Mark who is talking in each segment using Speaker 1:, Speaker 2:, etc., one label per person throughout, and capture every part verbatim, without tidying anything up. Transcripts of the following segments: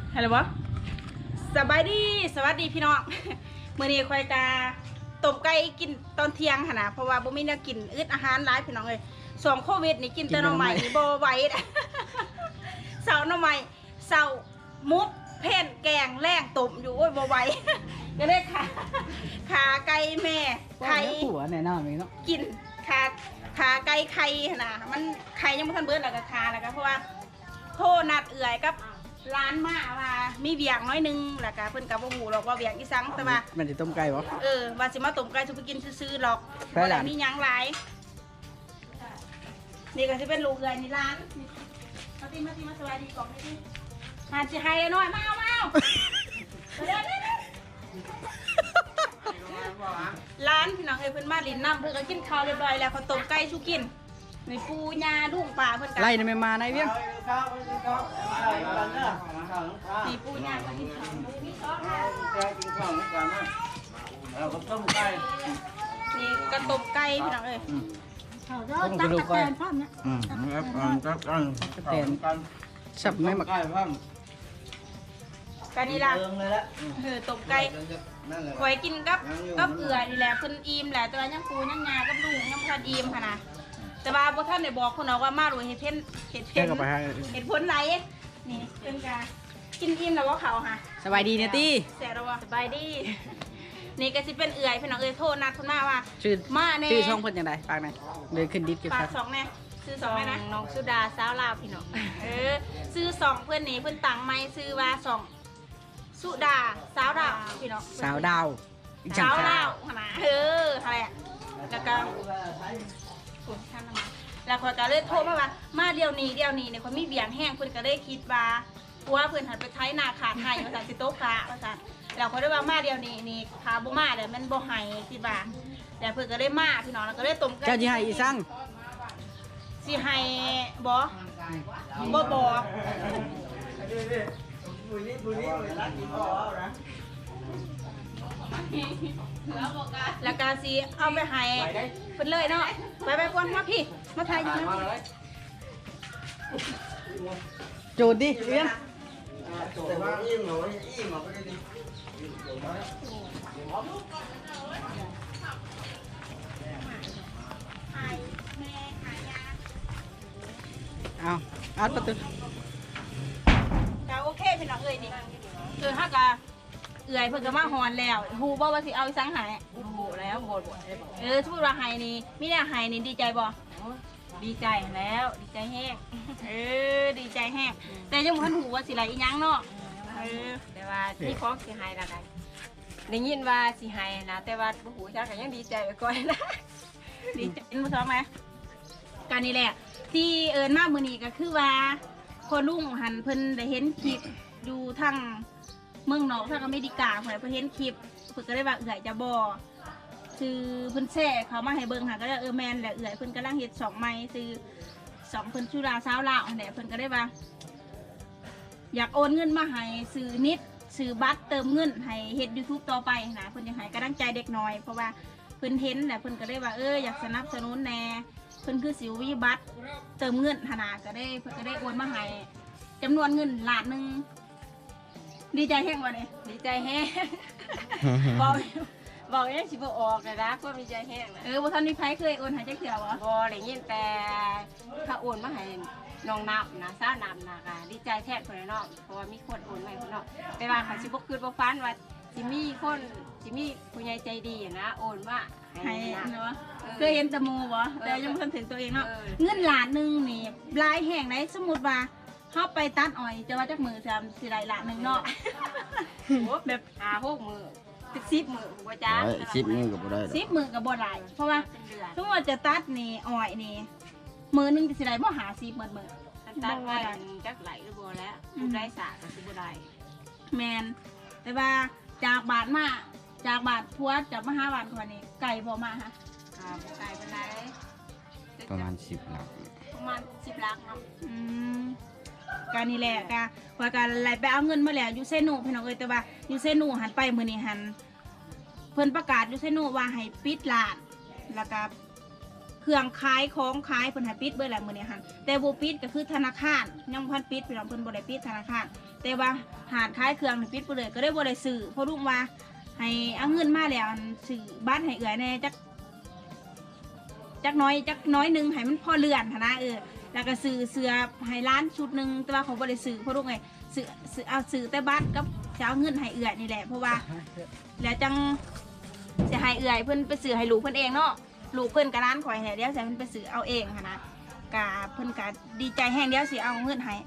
Speaker 1: ฮัลโหลวะสบายดีสวัสดีพี่น้องเมื่อนี้คอยกาต้มไก่กินตอนเที่ยงค่ะนะเพราะว่าบ่มีแนวกินอึดอาหารร้ายพี่น้องเลยสองโควิดนี่กินแต่น้องใหม่นี่บ่ไหวเสาน้องใหม่เสามุกเพ่นแกงแรงต้มอยู่โอ้ยบ่ไหวก็เลยขาขาไก่แม่ไข่
Speaker 2: หัวแน่นอนเนาะ
Speaker 1: กินขาขาไก่ไข่นะมันไข่ยังไม่ทันเบิดแล้วก็ขาแล้วก็เพราะว่าโทษนัดเอื่อยกับร้านมาว่ามีเบียงน้อยนึงแล้วก็เพิ่นกับบ่ฮู้หรอกว่าเบียงอีสังแต่ว่า
Speaker 2: มันจะต้มไก่บ่
Speaker 1: เออว่าสิมาต้มไก่สุไปกินซื่อๆหรอก
Speaker 2: ใช่
Speaker 1: บ่
Speaker 2: หลา
Speaker 1: ได้
Speaker 2: น
Speaker 1: มีหยังหลายนี่ก็สิเป็นลูกเอื่อยนี่ร้านมาติมาติมาสวัสดีกล่องนี่ดิหาสิให้หน่อยมาเอามาเอาเร็วๆร้านพี่น้องเอ้ยเพิ่นมาลินน้ำเพิ่นก็กินข้าวเรียบร้อยแล้วเขาต้มไก่สุกินในปูยาดุ้งป่าเพิ่นก็
Speaker 2: ไล่ในแม่มาในเวียง
Speaker 1: ตีปูยาก็กินข้าวมีซอสค่ะ
Speaker 3: กินข้าวเหมือนกันนะเราก็ต้มไก่
Speaker 1: นี่กระต้มไก่พี่น้องเอ้ย
Speaker 2: ต้มกระดูกไก่
Speaker 3: อืมครับกันครับกันกัน
Speaker 2: สับไม่หมัก
Speaker 3: ไก่พัง
Speaker 1: กันนี่ล่ะ
Speaker 3: เติมเลยละ
Speaker 1: เออต้มไก่
Speaker 3: นั่นแหละ
Speaker 1: ไว้กินกับกับเอือนี่แหละเพิ่นอิ่มแหละแต่ว่ายังปูยังงากับลูกยังบ่ทันอิ่มค่ะนะแต่ว่าบ่ทันได้บอกคนเอาว่ามาดูเฮ็ดเพ่นเฮ็ด
Speaker 2: แค่
Speaker 1: เพ่น
Speaker 2: กับไปให้
Speaker 1: เฮ็ดผลไหลนี่เป็นกากินอิ่มแล้วว่าเขาค่ะ
Speaker 2: สบายดีเนี่ยตี้
Speaker 1: แซ่บแล้วว่าสบายดี นี่ก็สิเป็นเอื่อยพี่น้องเอ้ยโทษนัดเพิ่นมาว่า
Speaker 2: ชื่อ
Speaker 1: มาแน่
Speaker 2: ชื่อช่องเพิ่นจังไดฝากหน่อยเลยขึ้นดิสเก็บ
Speaker 1: ปา
Speaker 2: ครั
Speaker 1: ก
Speaker 2: บ
Speaker 1: สองแน่ซื้อสองแน่นะน้องสุดาสาวลาวพี่น้องเออซื้อสองเพื่อนนี่เพื่อนตังไม้ซื้อว่าสองสุดาสาวดาวพี่น้อง
Speaker 2: สาวดาวอีกจัง
Speaker 1: สาว
Speaker 2: ครั
Speaker 1: ลาว
Speaker 2: บ
Speaker 1: นะเอออะไรอ่ะแล้วก็คุณท่านมาแล้วคนก็เลยโทรมาว่ามาเดียวนี้เดียวนี้เนี่ยคนมีเบียงแห้งเพื่อนก็เลยคิดว่าว่าเพื่อนหันไปใช้นาขาไทยภาษาสิโต๊ะขาภาษาแล้วเขาได้ว่ามาเดียวนี้นี่ขาบ่มาเลยมันบ่ไห้คิดว่าแล้วเพื่อนก็ได้มาพี่น้องแล้วก็ได้ต้มกัน
Speaker 2: เจ้าจีให้อีสั่ง
Speaker 1: สิให้บอบ่บอก
Speaker 3: บุญนี่บุญนี่รักกินข้าวนะ
Speaker 1: แล้วก็สิเอาไปให้เพิ่นเลยเนาะไปไปกวนมาพี่มาถ่ายอยู่นะ
Speaker 2: จูดดิเวียง
Speaker 3: แต่ว่าอิ่มเหรออิ่มเหรอก็ได้ดิ
Speaker 1: ถ่ายแม่ถ่ายยา
Speaker 2: เอาอัดประตู
Speaker 1: ก็โอเคพี่น้องเอ้ยนี่เออฮักกะเอื่อยเพิ่นก็มาฮอนแล้วฮู้บ่ว่าสิเอาอีสังหายฮู้แล้วบ่บ่เออสมมุติว่าให้นี่มีแนวให้นี่ดีใจบ่ดีใจแล้วดีใจแฮงเออดีใจแฮงแต่ยังบ่ทันฮู้ว่าสิไหลอีหยังเนาะเออ
Speaker 4: แต่ว่าที่ของสิหายละกันได้ยินว่าสิหายนะแต่ว่าบ่ฮู้จักก็ยังดีใจไปก่อนนะ
Speaker 1: ดีใจเป็นผู้ชมไหมการนี่แหละที่เอิญมากมือนี้ก็คือว่าพอลุงหันเพิ่นได้เห็นคลิปอยู่ทางเมืองนอกทางอเมริกาเพิ่นเพิ่นเห็นคลิปเพิ่นก็ได้ว่าเอื่อยจะบอคือเพิ่นแช่เขามาให้เบิ่งค่ะก็ได้เออแมนแหละเอื่อยเพิ่นกำลังเฮ็ดสองไม้คือสองเพิ่นชุราสาวลาวเนี่ยเพิ่นก็ได้ว่า อยากโอนเงินมาให้ซื้อนิดซื้อบัตรเติมเงินให้เฮ็ด YouTube ต่อไปนะเพิ่นอยากให้กำลังใจเด็กน้อยเพราะว่าเพิ่นเห็นแหละเพิ่นก็ได้ว่าเอออยากสนับสนุนแน่เพิ่นคือสิววิบัตรเติมเงินหนาก็ได้เพิ่นก็ได้โอนมาให้จำนวนเงินล้านหนึงดีใจแห้งว่ะเนี่ย
Speaker 4: ดีใจแฮง บอกบอกยังสิบ่ออกเลยนะก็มีใจแห้งนะ
Speaker 1: เออบ่ทันมีไผเคยโอนให้จักเทื่อบ่
Speaker 4: บ่ได้ยินแต่ถ้าโอนมาให้น้องนับนะสาวนับนะก็ดีใจแท้คนเนาะเพราะว่ามีคนโอนมาให้คนเนาะแต่ว่าเขาสิบ่คืนบ่ฟันว่าสิมีคนสิมีผู้ใหญ่ใจดีนะโอนมาให้
Speaker 1: ให้
Speaker 4: นะ
Speaker 1: เนาะเคยเห็นแตะมูบ่แต่ยังบ่ทันถึงตัวเองเนาะ
Speaker 4: เออ
Speaker 1: เงินล้านหนึงนี่หลายแห่งไหนสมมุติว่าเฮาไปตัดอ้อยจะว่าจักมือซำสิได้ล้านหนึงเนาะ
Speaker 4: แบบ หาหกมือสิบสิบมือบ่จ้า
Speaker 3: สิบมือกับได้
Speaker 1: สิบมือก็บ่ได้เพราะว่า
Speaker 4: เป็นเดือน
Speaker 1: สมมุติว่าจะตัดนี่อ้อยนี่มือหนึงสิได้บ่หาสิบมื้อมื้อ
Speaker 4: อันตัดไว้จักไหลหรือบ่แล้วผู้ได้สาก็สิบ่ได้
Speaker 1: แมนแต่ว่าจากบาทมาจากบาทพัวจากมหาบาทคนนี้ไก่พอมาฮะ
Speaker 4: อ่าบ่ไกลปานใด
Speaker 3: ประมาณสิบหลัก
Speaker 4: ประมาณสิบลักเนาะ
Speaker 1: อืมการนี่แหละกะว่าการไหลไปเอาเงินมาแล้วอยู่เซนูพี่น้องเอ้ยแต่ว่าอยู่เซนูหันไปมือนี้หันเพิ่นประกาศอยู่เซนูว่าให้ปิดร้านแล้วก็เครื่องขายของขายเพิ่นให้ปิดเบิดแหละมือนี้หันแต่บ่ปิดก็คือธนาคารยังบ่ทันปิดพี่น้องเพิ่นบ่ได้ปิดธนาคารแต่ว่าหาดขายเครื่องนี่ปิดไปเลยก็ได้บ่ได้ซื้อเพราะลุงว่าให้เอาเงินมาแล้วซื้อบ้านให้เอื้อยแน่จักจักน้อยจักน้อยหนึงให้มันพอเลื่อนหั้นนะเออแล้วก็ซื้อเสื้อให้ร้านชุดหนึงแต่ว่าเขาบ่ได้ซื้อเพราะลุงไงซื้อซื้อเอาซื้อแต่บัตรกับจะเอาเงินให้เอื้อยนี่แหละเพราะว่าแล้วจังจะให้เอื้อยเพิ่นไปซื้อให้ลูกเพิ่นเองเนาะลูกเพิ่นกับร้านข่อยเนี่ยเดี๋ยวสิเพิ่นไปซื้อเอาเองหั้นนะกะเพิ่นกะดีใจแห้งเดี๋ยวสิเอาเงินให้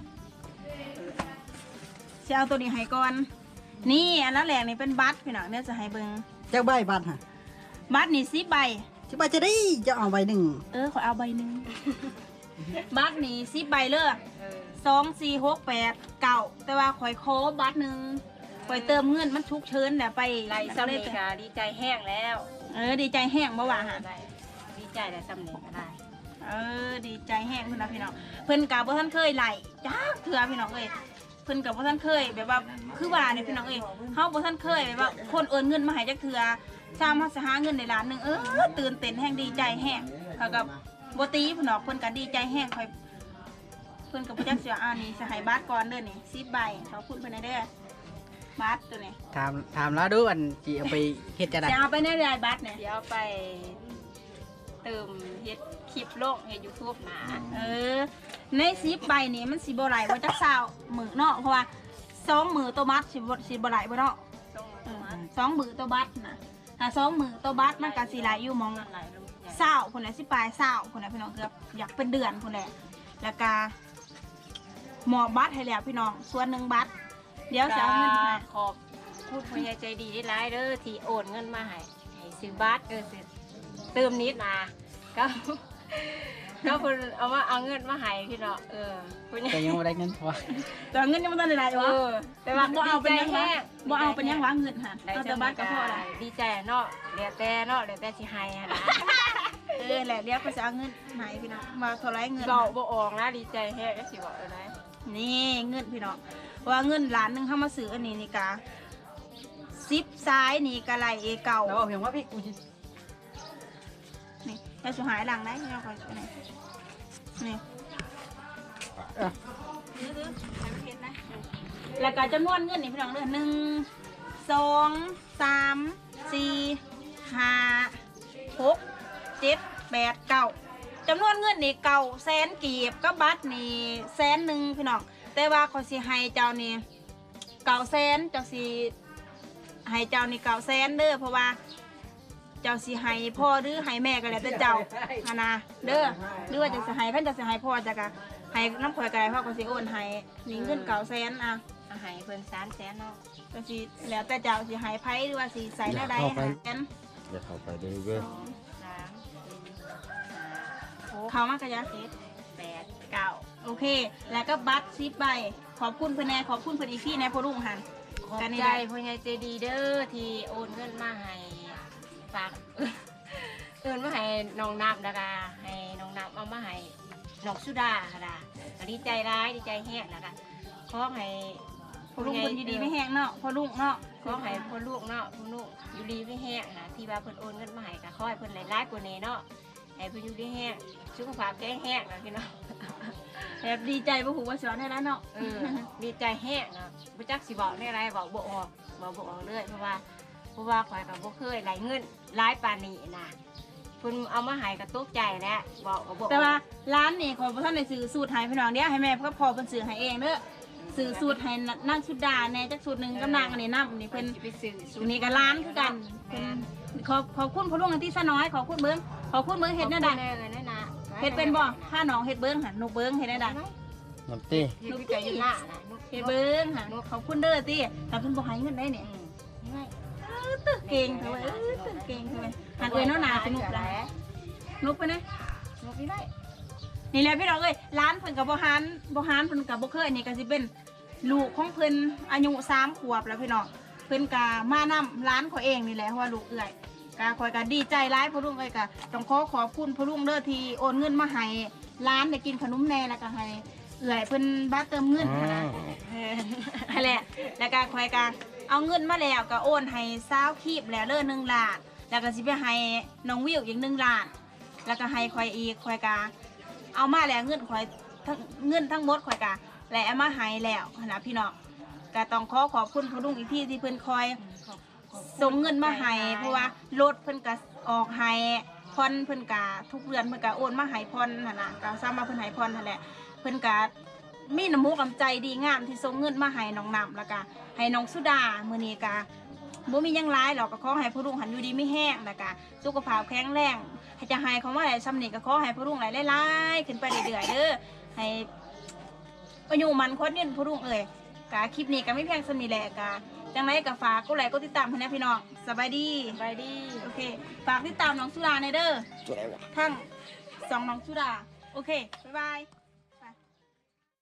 Speaker 1: สิเอาตัวนี้ให้ก่อนนี่อันนั้นแหละนี่เป็นบัตรพี่น้องเดี๋ยวจะให้เบิ่ง
Speaker 2: เจ้าใบบัตรฮะ
Speaker 1: บัตรนี่สิบใบ
Speaker 2: สิบใบจะได้จะเอาใบหนึ่ง
Speaker 1: เออขอเอาใบหนึ่ง บัตรนี่สิบใบเลยสองสี่หกแปดเก้าแต่ว่าข่อยโคบัตรหนึ่งข่อยเติมเงินมันชุกเชิญเดี๋ยวไป
Speaker 4: ไรซ้ำนี่ค่ะดีใจแห้งแล้ว
Speaker 1: เออดีใจแห้งบ่ว่าหา
Speaker 4: ได้ดีใจแต่ซ้ำนี่ก็ได้
Speaker 1: เออดีใจแห้งเพิ่นนะพี่น้องเพิ่นกับบ่ท่านเคยไหลจ้าเถื่อพี่น้องเอ้ยเพิ่นกับบ่ท่านเคยแบบว่าคือว่าเนี่ยพี่น้องเอ้ยเฮาบ่ท่านเคยแบบว่าคนโอนเงินมาให้จักเถื่อชามเฮาสิหาเงินในล้านหนึงเออตื่นเต้นแห้งดีใจแห้งเขากับบ่ตีพี่น้องเพิ่นก็ดีใจแห้งค่อยเพิ่นก็บ่จักสิว่าอ่านี่สิให้บัตรก่อนเด้อนี่สิบใบขอบคุณเพิ่นได้เด้อบัตรตัวนี้
Speaker 2: ถามถามแล้วดูอันจีเอาไปเฮ็ดจะได้
Speaker 1: จะเอาไปในรายบัตรเนี่ย
Speaker 4: เดี๋ยวไปเติมเฮ็ดคลิปโลกเฮ็ดยูทูบนะ
Speaker 1: เออในสิบใบนี่มันสิบ่ไหลว่าจักเช้ามื้อเนาะเพราะว่าสองมื้อตัวบัตรสิบ่สิบ่ไหลบ่เนาะ
Speaker 4: ต้อง
Speaker 1: เออ
Speaker 4: มา
Speaker 1: สองมือตัวบัตรนะถ้าสองมือตัวบัตรมันก็สิหลายอยู่หมอง
Speaker 4: หลายลูกใหญ่
Speaker 1: เศร้าคนไหนสิปลายเศร้าคนไหนพี่น้องเกือบอยากเป็นเดือนคนไหนแล้วก็หมอบัตรให้แล้วพี่น้องส่วนหนึ่งบัตรเดี๋ยวจะเอาเงินมา
Speaker 4: ขอบคุณผู้ใหญ่ใจดีได้หลายเด้อที่โอนเงินมาให้ให้ซื้อบัตรเออซื้อเติมนิดมาก็ ก็เพิ่นเอามาเอาเงินมาให้พี่เนาะเออผู้ใหญ่
Speaker 2: แต่ยังไม่ได้เงินพอ
Speaker 1: แต่เงินยังไม่ทันได้หลาย
Speaker 4: เอ
Speaker 1: วะ
Speaker 4: อแต่ว่า
Speaker 1: บ่เอาเป็นยัง
Speaker 4: ดีใจ
Speaker 1: วะ
Speaker 4: แห้ง
Speaker 1: บ่เอาเป็นยังวะเงินหัน
Speaker 4: ได้
Speaker 1: เอา
Speaker 4: แต่
Speaker 1: แต่บัตรก็พอละ
Speaker 4: ดีใจเนาะเหลือแต่เนาะเหลือแต่สิให้อะนะ
Speaker 1: เออแหละเดี๋ยวก็จะเอาเงินไหนพี่น้องมาเท่าไรเงิน
Speaker 4: เบาบ่ออกนะดีใจแห้งก็สิบอกเลยนะ
Speaker 1: นี่เงินพี่น้องว่าเงินล้านหนึ่งเข้ามาซื้ออันนี้นี่กาซิปซ้ายนี่กะไหลเอเก่า
Speaker 2: แล้วบอกเพียงว่าพี่กูจะ
Speaker 1: นี่จะสุหายหลังได้ที่เราคอยนี่นี่
Speaker 2: เออ
Speaker 1: แล้วก็จำนวนเงินนี่พี่น้องเด้อหนึ่งสองสามสี่ห้าหกเจ็ดแปดเก้าจำนวนเงินนี่เก่าแสนกีบก็บัตรนี่แสนหนึ่งพี่น้องแต่ว่าเขาสิให้เจ้านี่เก่าแสนเจ้าสิให้เจ้านี่เก่าแสนเด้อเพราะว่าเจ้าสิให้พ่อหรือให้แม่ก็แล้วแต่เจ้าฮานาเด้อหรือว่าจะสิให้ขั้นจะสิให้พ่อจะกะให้น้ำข่อยก็ได้พ่อก็สิโอนให้นี่เงินเก่าแสนอ่ะ
Speaker 4: เอาให้เพิ่นสามแสนเนาะ
Speaker 1: ก็สิแล้วแต่เจ้าสิใหายไพ่หรือว่าสิใส่หน้าใดหากัน
Speaker 3: อย่าเข้าไปเด้อเว้ย
Speaker 4: สองสามสี่ห้าหก
Speaker 1: เขามากกะยะ
Speaker 4: เจ็ดแปดเก้า
Speaker 1: โอเค แล้วก็บัตรซิปใบขอบคุณเพื่อนแน่ขอบคุณเพื่อนอีกที่แน่พอรุ่งหัน
Speaker 4: ขอบ
Speaker 1: กันนี่
Speaker 4: ใจ
Speaker 1: ได้
Speaker 4: ผู้ใหญ่ใจดีเด้อที่โอนเงินมาให้ฝาก เอินมาให้น้องนับนะคะให้น้องนับเอามาให้น้องสุดาค่ะนะก็ดีใจร้ายดีใจแห้งนะคะขอให้
Speaker 1: พอรุ่งคนดีๆไม่แห้งเนาะพอรุ่งเนาะ
Speaker 4: ขอให้พ่อลูกเนาะพ่อลูกอยู่ดีไม่แห้งนะที่ว่าเพิ่นโอนเงินมาให้ก็ขอให้เพิ่นหลายๆกว่านี้เนาะให้เพิ่นอยู่ดีแห้งสุขภาพแข็งแรงนะพี่น้อง
Speaker 1: แบบดีใจบ่หูว่าสอนได้แล้วเนาะ
Speaker 4: เออดีใจแห้งนะบ่จักสิบอกได้ไรบอกบ่ออกบอกบ่ออกเลยเพราะว่าเพราะว่าข่อยก็บ่เคยไหลเงินหลายปานนี้นะเพิ่นเอามาให้ก็ตกใจแล้วบอกก็บ่ออก
Speaker 1: แต่ว่าร้านนี่ขอพระท่านได้ซื้อสูตรให้พี่น้องเดี๋ยวให้แม่ก็พอเพิ่นซื้อให้เองเด้อซื้อสูตรให้นั่งชุดดาแน่จักสูตรหนึงกำนางอันนี้น้ำอันนี้
Speaker 4: เพิ่
Speaker 1: เพิ่
Speaker 4: น
Speaker 1: น
Speaker 4: สิไปซื้อ
Speaker 1: อันนี้ก็ร้านคือกันเพิ่นขอบขอบคุณพอรุ่งอันที่ซะน้อยขอบคุณเบิ้งขอบคุณเบิ้งเฮ็ดแน่ใด
Speaker 4: แน่เลยนะนะ
Speaker 1: เฮ็ดเป็นบ่ผ้าหนองเฮ็ดเบิ้งหั่นนกเบิ้งเฮ็ดแน่ใด
Speaker 3: น้ำตี้
Speaker 4: ลูกใจอยู่หน้านะลูก
Speaker 1: เฮ็ดเบิ้งหั่นขอบคุณเด้อติแต่เพิ่นบ่ให้เงินได้เนี่ย
Speaker 4: ไม่
Speaker 1: เออตึกเก่งเถอะเว้ยเออตึกเก่งเถอะเว้ยหันเอ้ยเนาะหนาสนุกหลายนุกไปนะ
Speaker 4: ลูกไม่ได้
Speaker 1: นี่แหละพี่น้องเอ้ยร้านเพิ่นกับบ่ฮานบ่ฮานเพิ่นกับบ่เคยนี่ก็สิเป็นลูกของเพิ่นอายุสามขวบแล้วพี่น้องเพิ่นก็มานํร้านเขาเองนี่แหละเพราะว่าลูกเอื้อยก็คอยก็ดีใจร้ายพ่อลุงเอ้ยก็ต้องขอขอบคุณพ่อลุงเด้อที่โอนเงินมาให้ร้านได้กินขนมแหน่แล้วก็ให้เอื้อยเพิ่นบัตรเติมเงินนะเออนั่นแหละแล้วก็คอยก็เอาเงินมาแล้วก็โอนให้สาวคีบแล้วเด้อหนึ่งล้านแล้วก็สิไปให้น้องวิวอีกหนึ่งล้านแล้วก็ให้คอยอีกคอยก็เอามาแล้วเงินคอยทั้งเงินทั้งหมดคอยก็และเอามาให้แล้วนะพี่น้องก็ต้องขอขอบคุณพ่อลุงอีกที่ที่เพิ่นคอยส่งเงินมาให้เพราะว่ารถเพิ่นก็ออกให้พรเพิ่นก็ทุกเดือนเพิ่นก็โอนมาให้พรนั่นน่ะก็ซ้ำมาเพิ่นให้พรนั่นแหละเพิ่นก็มีน้ำมูกน้ำใจดีงามที่ส่งเงินมาให้น้องน้ำแล้วก็ให้น้องสุดามื้อนี้ก็บ่มีหยังหลายหรอกก็ขอให้พ่อลุงหันอยู่ดีไม่แห้งแล้วก็สุขภาพแข็งแรงให้จะให้เขามาได้ซ้ำนี่ก็ขอให้พ่อลุงหลายหลายๆขึ้นไปเรื่อยๆเด้อให้อายุมันคนยืนพ่อลุงเอ้ยกะคลิปนี้ก็ไม่เพียงสำนี้แหละกะจังไรก็ฝากกดไลค์กดติดตามให้นะพี่น้องสบายดี
Speaker 4: ไปดี
Speaker 1: โอเคฝากติดตามน้องสุดาในเด้อทั้งสองน้องสุดาโอเคบ๊ายบาย